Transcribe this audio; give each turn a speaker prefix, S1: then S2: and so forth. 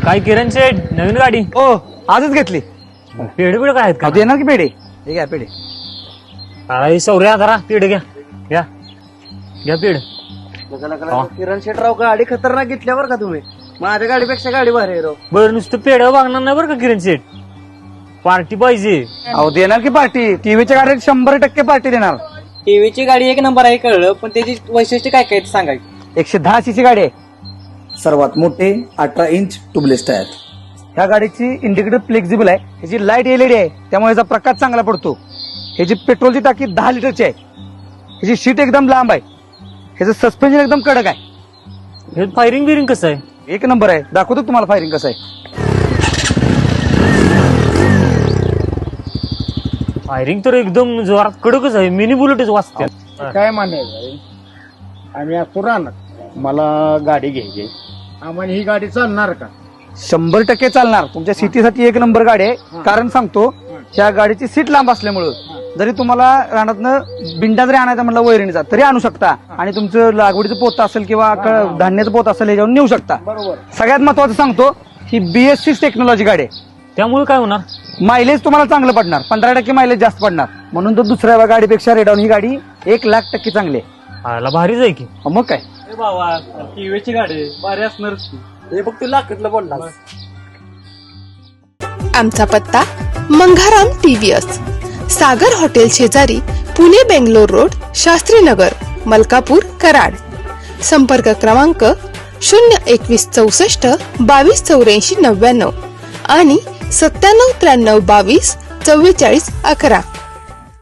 S1: काय किरण शेठ नवीन गाडी
S2: हो आजच घेतली.
S1: पेढे बिड काय आहेत का
S2: देणार की पेढे? हे घ्या पेढे.
S1: काय सौर्या करा पेढे घ्या घ्या घ्या पेढ
S3: किरण शेटराव गाडी खतरनाक घेतल्यावर का तुम्ही? माझ्या गाडीपेक्षा गाडी भारी आहे राव.
S1: बरं नुसतं पेढ मागणार नाही बरं का किरण शेठ पार्टी पाहिजे.
S2: अहो देणार की पार्टी? टीव्हीच्या गाडीत 100% पार्टी देणार.
S3: टीव्हीची गाडी एक नंबर आहे कळलं, पण त्याची वैशिष्ट्य काय काय सांगायचं?
S2: 110 सीसी गाडी आहे.
S4: सर्वात मोठे 18 इंच ट्यूबलेस टायर.
S2: ह्या गाडीची इंडिकेटर फ्लेक्झिबल आहे. ह्याची लाईट एलईडी आहे त्यामुळे याचा प्रकाश चांगला पडतो. ह्याची पेट्रोलची टाकी 10 लिटरची आहे. ह्याची सीट एकदम लांब आहे. ह्याचं सस्पेन्शन एकदम कडक आहे.
S1: हे फायरिंग बिरिंग कसं आहे?
S2: एक नंबर आहे. दाखवतो तुम्हाला फायरिंग कसं आहे.
S1: फायरिंग तर एकदम जोरात कडकच आहे. मिनी बुलेटच वाचते.
S5: काय म्हणायचं आम्ही असतो राहणार, मला गाडी घ्यायची, आम्हाला ही गाडी चालणार का?
S2: 100% चालणार. तुमच्या सिटीसाठी एक नंबर गाडी आहे. कारण सांगतो, ह्या गाडीची सीट लांब असल्यामुळं जरी तुम्हाला रानातनं बिंडा जरी आणायचा म्हटलं वैरणीचा तरी आणू शकता. आणि तुमचं लागवडीचं पोत असेल किंवा धान्याचं पोत असेल ह्याच्यावर नेऊ शकता.
S5: बरोबर.
S2: सगळ्यात महत्वाचं सांगतो, ही BS6 टेक्नॉलॉजी गाडी आहे.
S1: त्यामुळे काय होणार?
S2: मायलेज तुम्हाला चांगलं पडणार. 15% मायलेज जास्त पडणार. म्हणून तर दुसऱ्या गाडीपेक्षा रेडॉन ही गाडी 1,00,000% चांगली आहे.
S1: आला भारीच आहे की.
S2: मग काय.
S3: बाबा टीव्हीची गाडी भारी असणार. हे फक्त लाखातलं बोलला.
S6: आमचा पत्ता मंघाराम TVS, सागर हॉटेल शेजारी, पुणे बेंगलोर रोड, शास्त्रीनगर, मलकापूर, कराड. संपर्क क्रमांक 02164 228499 आणि 979322 4411.